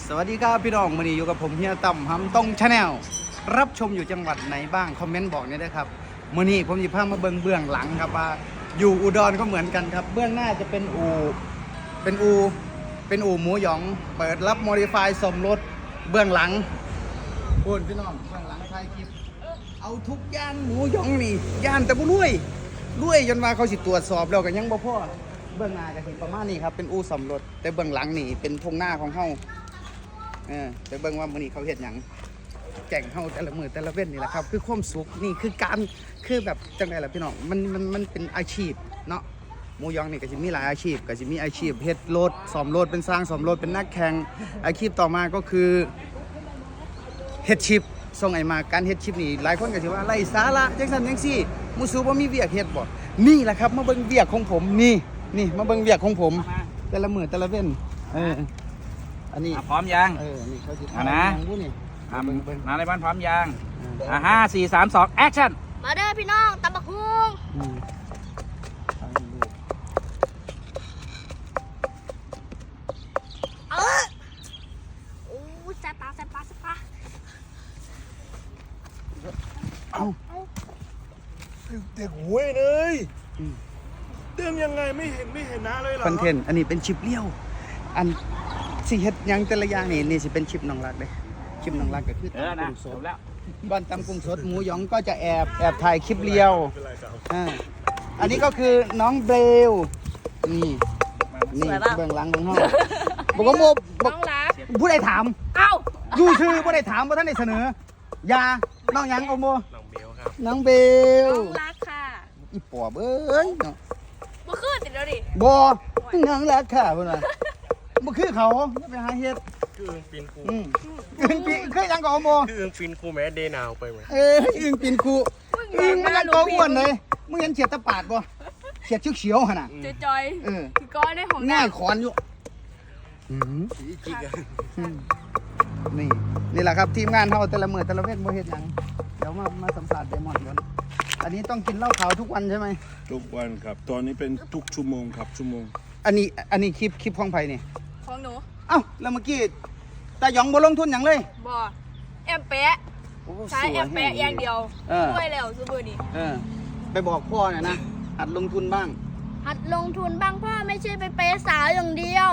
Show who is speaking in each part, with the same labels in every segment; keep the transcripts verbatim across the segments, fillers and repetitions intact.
Speaker 1: สวัสดีครับพี่น้องวันนี้อยู่กับผมเฮียต่ำฮัมต้องชาแนลรับชมอยู่จังหวัดไหนบ้างคอมเมนต์บอกนี่นะครับวันนี้ผมหยิบภาพมาเบื้องเบื้องหลังครับว่าอยู่อุดรก็เหมือนกันครับเบื้องหน้าจะเป็นอู่เป็นอู่เป็นอู่หมูหยองเปิดรับโมดิฟายสมรถเบื้องหลังพูดพี่น้องเบื้องหลังถ่ายคลิปเอาทุกย่านหมูหยองนี่ย่านแต่บุรุยรวยจนว่าเขาสิตรวจสอบแล้วกันยังบ่พอเบื้องหน้าก็เห็นประมาณนี้ครับเป็นอู่สมรถแต่เบื้องหลังนี่เป็นทงหน้าของเขาเออไปเบิ่งว่ามื้อนี้เขาเฮ็ดหยังแก่งเฮาแต่ละมื้อแต่ละเว้นนี่แหละครับคือความสุขนี่คือการคือแบบจังได๋ล่ะพี่น้องมันมันมันเป็นอาชีพเนาะหมูยองนี่ก็สิมีหลายอาชีพก็สิมีอาชีพเฮ็ดรถซ่อมรถเป็นสร้างซ่อมรถเป็นนักแข่งอาชีพต่อมาก็คือเฮ็ดชิปส่งไอ้มาการเฮ็ดชิปนี่หลายคนก็สิว่าไร้สาระจังซั่นจังซี่มูสูบ่มีเวียกเฮ็ดบ่นี่แหละครับมาเบิ่งเวียกของผมนี่นี่มาเบิ่งเวียกของผมแต่ละมื้อแต่ละเว้นเอออันนี้
Speaker 2: พร้อมยัง
Speaker 1: เออนี่เขาสิ
Speaker 2: อ่ะนะ
Speaker 1: ยังรู้นี่
Speaker 2: อ่ะมาในบ้านพร้อมยังอ่ะห้าสี่สามสองแอคชั่น
Speaker 3: มาเด้อพี่น้องตำบักหุ่ง
Speaker 1: อืม
Speaker 3: เออโอ้แซ่บปลาแซ่บปลาแซ่บปลา
Speaker 1: เอ้า
Speaker 4: เด็กหวยเลยเติมยังไงไม่เห็นไม่เห็นนะเลยเหรอ
Speaker 1: คอนเทนต์อันนี้เป็นชิปเลี้ยวอันสิเฮ็ดหยังแต่ละอย่างนี่นี่สิเป็นชิปน้องรักเลยชิปน้องรักก็คือ
Speaker 2: เออ
Speaker 1: ตำ
Speaker 2: นะ
Speaker 1: กุ้งส
Speaker 2: จ
Speaker 1: ด
Speaker 2: บแล้ว
Speaker 1: บ้านตำกุ้งสดหมูหยองก็จะแอบแอบถ่ายคลิปเลี้ยว
Speaker 4: เป็นไรครับ
Speaker 1: อ่าอันนี้ก็คือน้องเบลนี่นี่เบื้องหลังของเฮาบอกว่าโมบ
Speaker 3: น้
Speaker 1: อก
Speaker 3: องรัก
Speaker 1: ผู้ใดถาม
Speaker 3: เอ้า
Speaker 1: ดูชื่อผู้ใดถามบ่ทันได้เสนออย่าน้องหยังโอโม
Speaker 4: น้องเบลครับ
Speaker 1: น้องเบล
Speaker 3: น้องรักค่ะ
Speaker 1: อีปอบเอ้ยเนาะ
Speaker 3: บ่ขึ้นติดแล้วดิ
Speaker 1: บ่น้องรักค่ะพุ่นน่ะบ่คือเขาไปหาเฮ็ด
Speaker 4: คืออึงปินกู
Speaker 1: อืมอึ้งปีคือยังก็โอโม
Speaker 4: คืออึงปินกูแม้เดนาวไปไหม
Speaker 1: เอ้ยอึ้งปีนคูอึ้งมันยังก็อ้วนเลยมึงเห็นเฉียดตะปาดบ่เฉียดเขียวๆหั่นน่ะ
Speaker 3: จอย
Speaker 1: เออ
Speaker 3: ๆคือก้อนได้ของ
Speaker 1: ง่ายขอนอยู่อืม
Speaker 4: จิกอะ
Speaker 1: อืมนี่นี่แหละครับทีมงานเฮาแต่ละมื้อแต่ละเว้นบ่เฮ็ดหยังเดี๋ยวมามาสัมภาษณ์ไดมอนด์ก่อนอันนี้ต้องกินเหล้าขาวทุกวันใช่ไหม
Speaker 4: ทุกวันครับ ตอนนี้เป็นทุกชั่วโมงครับชั่วโมง
Speaker 1: อันนี้อันนี้คลิปคลิปของไผนี่
Speaker 3: ของหนู
Speaker 1: เอ้าแล้วเมื่อกี้ตาหยองบ่ลงทุนหยังเลย
Speaker 3: บ่แอมแปะ
Speaker 1: โอ้
Speaker 3: ใช้แอมแปะอย่างเดียว
Speaker 1: เออ
Speaker 3: ช่วยแล้วซื้อเบอร์นี้
Speaker 1: เออไปบอกพ่อหน่อยนะหัดลงทุนบ้าง
Speaker 3: หัดลงทุนบ้างพ่อไม่ใช่ไปเปย์สาวอย่างเดียว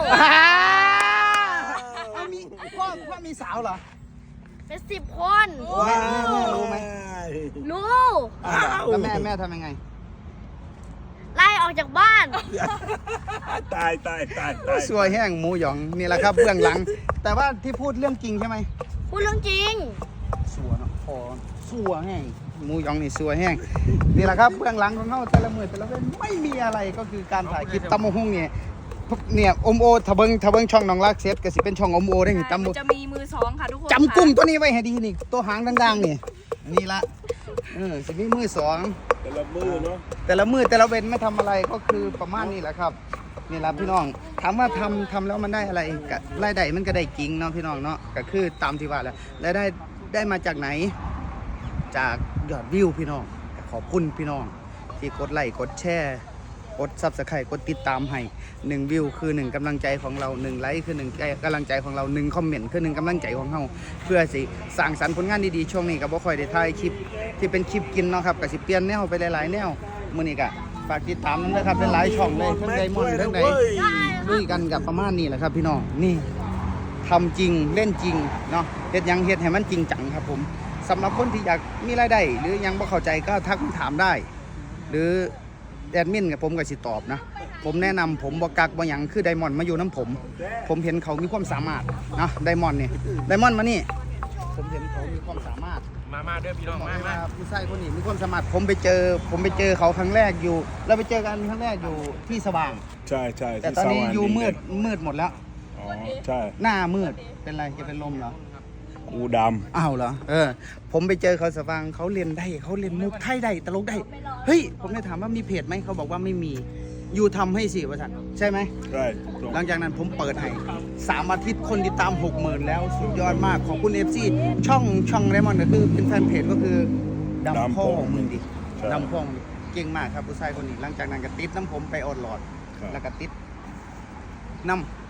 Speaker 1: เอามีพ่อพ่อมีสาวเหรอ
Speaker 3: เป็นสิบคน
Speaker 1: แม่แม่แม่รู้ไหม
Speaker 3: รู้
Speaker 1: แล้วแม่แม่ทำยังไง
Speaker 3: ไล่ออกจากบ้าน
Speaker 4: ตายตายตายตาย
Speaker 1: สวยแห้งหมูหยองนี่แหละครับเบื้องหลัง แต่ว่าที่พูดเรื่องจริงใช่ไหม
Speaker 3: พูดเรื่องจริง
Speaker 1: สัวเนาะพอสัวแห้งหมูหยองนี่สัวแห้งนี่แหละครับเบื้องหลังของเขาแต่ละมือแต่ละเว้นไม่มีอะไรก็คือการถ่ายคลิปตำมะฮุ่งเนี่ยเนี่ยอมโอทะเบิงทะเบิงช่องน้องรักเซฟก็สิเป็นช่องอมโอได้นี่ตำ
Speaker 3: มั
Speaker 1: มะ
Speaker 3: นจะมีมือสองค่ะทุกคน
Speaker 1: จำกุ้งตัวนี้ไว้ให้ดีนี่ตัวหางดังๆนี่นี่ละเออสิมีมือสอง
Speaker 4: แต่ละมือเนาะ
Speaker 1: แต่ละมือแต่ละเว้นไม่ทำอะไรก็คือประมาณนี้แหละครับนี่แหละพี่น้องถามว่าทำทำแล้วมันได้อะไรกับรายได้มันก็ได้จริงเนาะพี่น้องเนาะก็คือตามที่ว่าแหล้วและได้ได้มาจากไหนจากยอดวิวพี่น้องขอบคุณพี่น้องที่กดไลค์กดแชร์กดซับสไครต์กดติดตามให้หนึ่งวิวคือหนึ่งกำลังใจของเราหนึ่งไลค์คือหนึ่งกำลังใจของเราหนึ่งคอมเมนต์คือหนึ่งกำลังใจของเราเพื่อสิสร้างสรรค์ผลงานดีๆช่วงนี้ก็บ่ค่อยได้ถ่ายคลิปที่เป็นคลิปกินเนาะครับก็สิเปลี่ยนแนวไปหลายๆแนวมื้อนี้ก็ฝากติดตามนำด้วยครับเป็นหลายช่องเลยทั้งไดมอนด์ทั้งใดลุยกันกับประมาณนี้แหละครับพี่น้องนี่ทำจริงเล่นจริงเนาะเฮ็ดหยังเฮ็ดให้มันจริงจังครับผมสำหรับคนที่อยากมีรายได้หรือยังบ่เข้าใจก็ทักถามได้ หรือแอดมินกับผมก็สิตอบนะผมแนะนำผมบ่กักบ่หยังคือไดมอนด์มาอยู่น้ำผม ผมเห็นเขามีความสามารถนะไดมอนด์นี่ไดมอนด์มานี่ผมเห็นเขามีความสามารถ
Speaker 4: มามาด้วยพี่น้อง
Speaker 1: บอก
Speaker 4: มา
Speaker 1: เลย
Speaker 4: มา
Speaker 1: ว่าผู้ชายคนนี้มีความสามารถผมไปเจอ ผมไปเจอเขาครั้งแรกอยู่เราไปเจอกันครั้งแรกอยู่ที่สว่าง
Speaker 4: ใช่ใช่
Speaker 1: แต่ตอนนี้อยู่มืดมืดหมดแล้ว
Speaker 4: อ๋อใช่
Speaker 1: หน้ามืดเป็นไรจะเป็นลมเหรอ
Speaker 4: อูด
Speaker 1: อ้าวเหรอเออผมไปเจอเขาสว่างเขาเรียนได้เขาเรียนมุกไทยได้ตลกได้เฮ้ยผมได้ถามว่ามีเพจไหมเขาบอกว่าไม่มีอยู่ทำให้สิวะท่านใช่ไหม
Speaker 4: ำใช่ตรง
Speaker 1: หลังจากนั้นผมเปิดให้สามอาทิตย์คนติดตามหกหมื่นแล้วสุดยอดมากขอบคุณเอฟซีช่องช่องไดมอนด์ก็คือเป็นแฟนเพจก็คือดำพ่อของมึงดิดำพ่อมึงเก่งมากครับผู้ชายคนนี้หลังจากนั้นก็ติดน้ำผมไปออดหลอดแล้วก็ติดน้ำ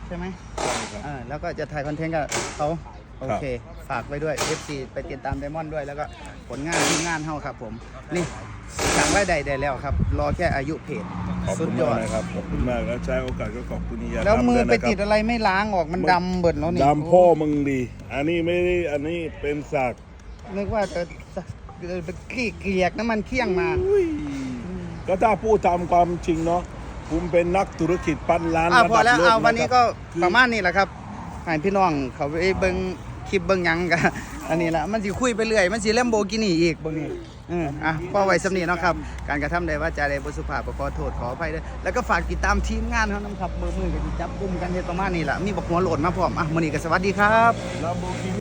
Speaker 1: ใช่ไหม
Speaker 4: ครับ
Speaker 1: อ่าแล้วก็จะถ่ายคอนเทนต์กับเขาโอเค ฝากไว้ด้วย เอฟ ซี ไปติดตามไดมอนด์ด้วยแล้วก็ผลงานที่งานเฮาครับผม นี่สั่งรายได้ได้แล้วครับ รอแค่อายุเพจ
Speaker 4: ขอบ
Speaker 1: สุ
Speaker 4: คุ
Speaker 1: ด
Speaker 4: ณ
Speaker 1: ยอ
Speaker 4: มาก
Speaker 1: ด
Speaker 4: นะครับขอบคุณมากแล้วใช้โอกาสก็ขอบคุณนี่ยา
Speaker 1: แล้วมือไป
Speaker 4: วยนะครับ
Speaker 1: ติดอะไรไม่ล้างออกมันดำเบิดแล้วนี่
Speaker 4: ดำพ่อมึงดี อันนี้ไม่ได้อันนี้เป็นสัก
Speaker 1: นึกว่าจะไปขี้เกียกน้ำมันเคี่ยงมา
Speaker 4: ก็ถ้าพูดตามความจริงเนาะผมเป็นนักธุรกิจพันล้าน
Speaker 1: อ่า
Speaker 4: ระ
Speaker 1: พอ
Speaker 4: ดับ
Speaker 1: แล้ว
Speaker 4: โลก
Speaker 1: เอาวันนี้ก็
Speaker 4: คือ
Speaker 1: ประมาณนี้แหละครับให้พี่น้องเขาไปเบิ่งคลิปเบิ่งหยังกันอันนี้ละมันสิคุยไปเรื่อยมันสิเล่มโบกินี่อีกเบิ่งนี่เอออ่ะพอไว้สำนีเนาะครับการกระทำใดว่าจาใดบ่สุภาพก็ขอโทษขออภัยด้วยแล้วก็ฝากติดตามทีมงานเฮานำครับมือมือกันจับกลุ่มกันเฮ็ดประมาณนี้ล่ะมีบักหัวโหลดมาพร้อมอ่ะมื้อนี้ก็สวัสดีครับ
Speaker 4: Lamborghini